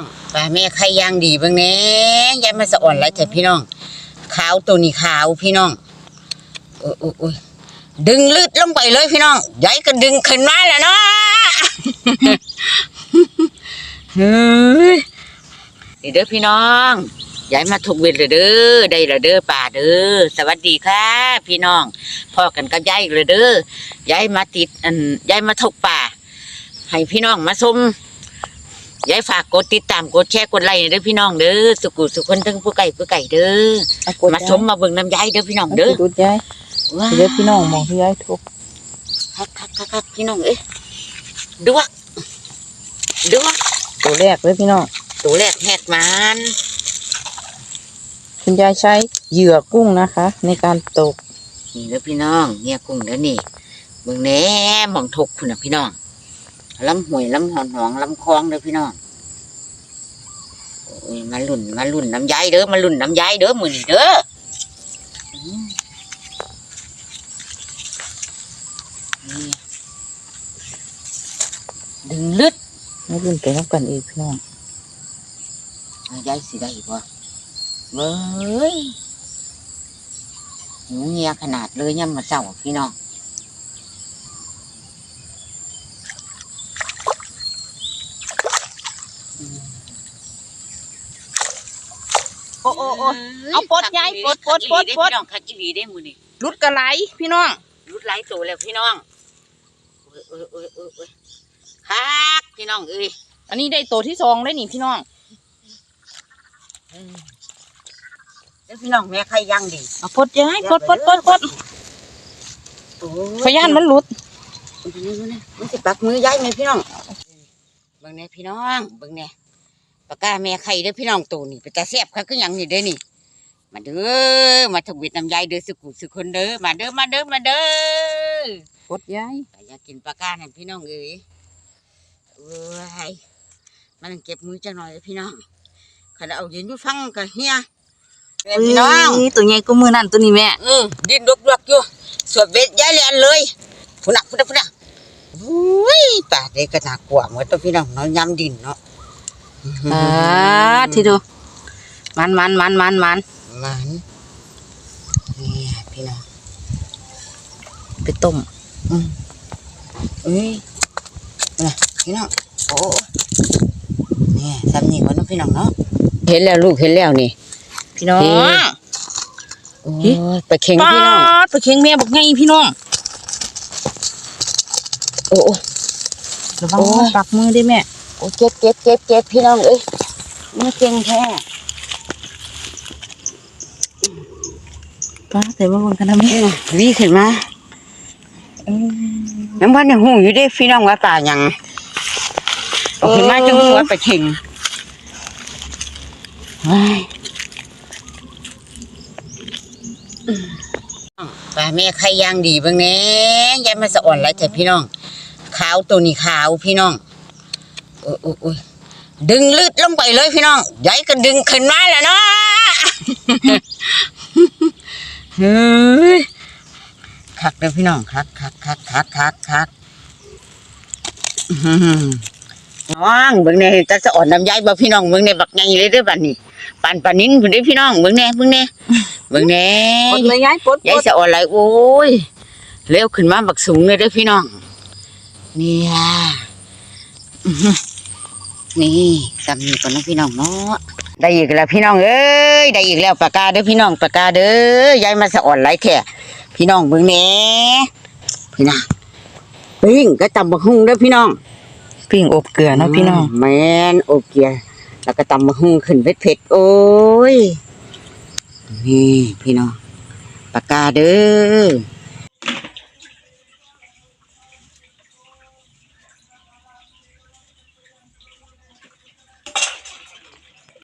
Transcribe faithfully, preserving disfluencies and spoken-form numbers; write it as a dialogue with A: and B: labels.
A: ปลาแม่ไข่ย่างดีเบิ่งแหน่ยายมาสะอ่อนหลายแต่พี่น้องขาวตัวนี้ขาวพี่น้องโอ้โอ้ยดึงลืดลงไปเลยพี่น้องยายก็ดึงขึ้นมาแล้วเนาะเฮ้ยเด้อพี่น้องยายมาถูกเวรเลยเด้อได้ละเด้อป่าเด้อสวัสดีค่ะพี่น้องพ่อกันกับยายเลยเด้อยายมาติดอันยายมาถกป่าให้พี่น้องมาชมยายฝากกดติดตามกดแชร์กดไลค์เด้อพี่น้องเด้อสุขุสุขคนทั้งผู้ไก่ผู้ไก่เด้อมาชมมาเบิ่งน้ำยายเด้อพี่น้องเด้อ
B: ดูยายเด้อพี่น้องมองที่ยายถูก
A: คักคักคักคักพี่น้องเอ้ยดูวะดูวะ
B: ตัวแรกเลยพี่น้อง
A: ตัวแรกแหกมัน
B: คุณยายใช้เหยื่อกุ้งนะคะ ในการตก
A: นี่เด้อพี่น้องเนี่ยกุ้งเด้อนี่เบิ่งแหน่มองทกคุณน่ะพี่น้องลำห่วยลำหอนหองลำคลองเด้อพี่น้องโอ้ยมาลุ่นมาลุ่นน้ำย้ายเด้อมาลุ่นน้ำย้ายเด้อมือนี่เด้อนี่ดึงลึด
B: ไม่ลุ่นไปนับกันอีกพี่น้อง
A: ย้ายสิได้บ่เว้ยหนูเงียขนาดเลยย่ำมาเศร้าพี่น้อง
B: โอ้โอ้โอ้เอาปดยายปดปดปดปด
A: พี่น้องคัดจีรีได้มือนี่
B: รุดกระไหลพี่น้อง
A: รุดไหลตัวแล้วพี่น้องเอ้ยเอ้ยเอ้ยเอ้ยเอ้ยคักพี่น้องเอ้ย
B: อันนี้ได้ตัวที่สองได้นี่พี่น้อง
A: แล้วพี่น้องแม่ใครยังดี
B: เอาปดยายปดปดปดปดพยานมันรุด
A: มันสิปักมือย้ายไหมพี่น้องเบิ่งแน่พี่น้องเบิ่งแน่ปากกาแม่ไข่เด้อพี่น้องตัวนี่ไปตาแซ่บค่ะคือหยังนี่เด้อนี่มาเด้อมาถวิดน้ำยายเด้อสุกุสุคนเด้อมาเด้อมาเด้อมาเด้อ
B: ปดยาย
A: อยากกินปากกาเนี่ยพี่น้องเอ้ยเอ้ยมันเก็บมือจังหน่อยพี่น้องขันเอายืนอยู่ฟังกับเฮีย
B: พี่น้องตัวใหญ่ก็มือนั่นตัวนี้แม่
A: อืมดินดกๆอยู่สวดเบ็ดย้ายแลนเลยพุ่นน่ะพุ่นน่ะพุ่นน่ะอุ้ยป่าเด็กก็น่ากลัวเหมือนตัวพี่น้องเนาะย้ำดินเนาะ
B: อ่าที่ดูมันมันมันมันมัน
A: มันนี่พี่น้อง
B: ไปต้ม
A: อืมเอ้ยนะพี่น้องโอ้นี่ทำนี่ก่อนนะพี่น้องเนาะเห็นแล้วลูกเห็นแล้วนี่
B: พี่น้อง
A: โอ้ยไปเข่งพี่น้อง
B: ไปเข่งแม่บอกไงพี่น้อง
A: โอ้
B: ระวังปักมือได้แม่
A: โอ้เจ็บเจ็บเจ็บเจ็บพี่น้องเอ้ยมือเก่งแท้
B: ป้าแต่ว่าคนกันทำไม
A: วิ่งขึ้นมาน้ำพันยังหูอยู่ได้พี่น้องว่าป่ายังขึ้นมาจังว่าไปเข่งปลาแม่ไข่ย่างดีเบิ่งแหน่ยายมาสะอ่อนหลายแต่พี่น้องขาวตัวนี้ขาวพี่น้องโอ้โอ้ยดึงลืดลงไปเลยพี่น้องยายก็ดึงขึ้นมาแล้วเนาะเฮ้ยคักเลยพี่น้องคักคักคักคักคักคักน้องเบิ่งแน่จะสะอ่อนน้ำยายบ่พี่น้องเบิ่งแน่บักใหญ่เลยเด้อบัดนี้ปานปานิ้นเพิ่นเด้อพี่น้องเบิ่งแน่เบิ่งแน่เบิ่งแน่
B: ปดเลยยายปด
A: ยายสะอ่อนหลายโอ้ยเร็วขึ้นมาบักสูงเลยเด้อพี่น้องเนี่ยนี่จำนี่ก่อนนะพี่น้องเนาะได้อีกแล้วพี่น้องเอ้ยได้อีกแล้วปากกาเด้อพี่น้องปากกาเด้อยายมาสะอ่อนหลายแท้พี่น้องเบิ่งแหน่พี่น้องปิ้งก็ตำบักหุ่งเด้อพี่น้อง
B: ปิ้งอบเกลือเนาะพี่น้อง
A: แม่นอบเกลือแล้วก็ตำบักหุ่งขึ้นเผ็ดๆโอ้ยนี่พี่น้องปากกาเด้อ